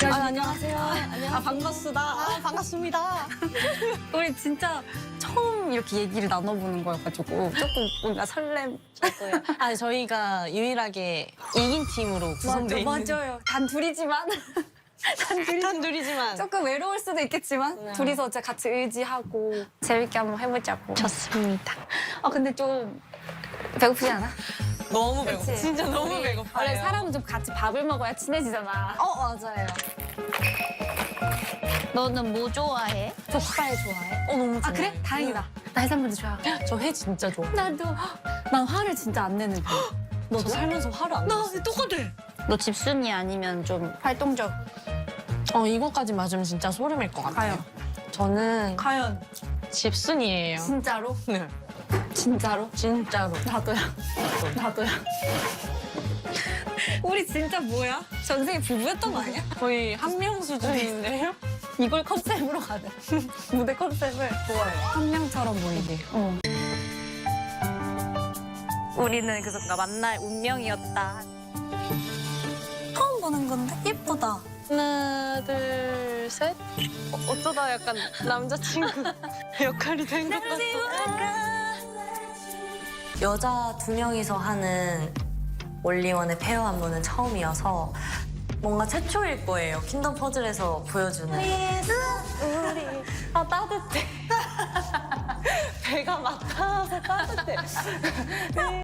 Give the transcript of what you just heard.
안녕하세요. 아, 반갑습니다. 반갑습니다. 우리 진짜 처음 이렇게 얘기를 나눠보는 거여가지고 조금 뭔가 설렘. 아, 저희가 유일하게 이긴 팀으로 구성돼 있는. 맞아요. 단 둘이지만 단둘이지만. 조금 외로울 수도 있겠지만 네. 둘이서 진짜 같이 의지하고 재밌게 한번 해보자고. 좋습니다. 아 근데 좀 배고프지 않아? 너무 배고파. 그치? 진짜 너무 우리 배고파요. 원래 사람은 좀 같이 밥을 먹어야 친해지잖아. 맞아요. 너는 뭐 좋아해? 족발 좋아해? 너무 좋아. 아 그래? 다행이다. 나 해산물도 좋아. 저 회 진짜 좋아. 나도. 난 화를 진짜 안 내는 편이야. 저 살면서 화를 안 냈어. 똑같아. 너 집순이 아니면 좀 활동적? 이거까지 맞으면 진짜 소름일 것 같아요. 저는 과연 집순이에요. 진짜로? 네. 진짜로? 진짜로. 나도야. 나도야. 우리 진짜 뭐야? 전생에 부부였던 거 아니야? 거의 한 명 수준인데요? 이걸 컨셉으로 가자. 무대 컨셉을 좋아요. 한 명처럼 보이게. 우리는 그 순간 만날 운명이었다. 처음 보는 건데 예쁘다. 하나, 둘, 셋. 어쩌다 약간 남자친구 역할이 된 것 같아. 여자 2명이서 하는 올리원의 페어 안무는 처음이어서 뭔가 최초일 거예요. 킹덤 퍼즐에서 보여주는. 아 따뜻해. 배가 막타서 따뜻해.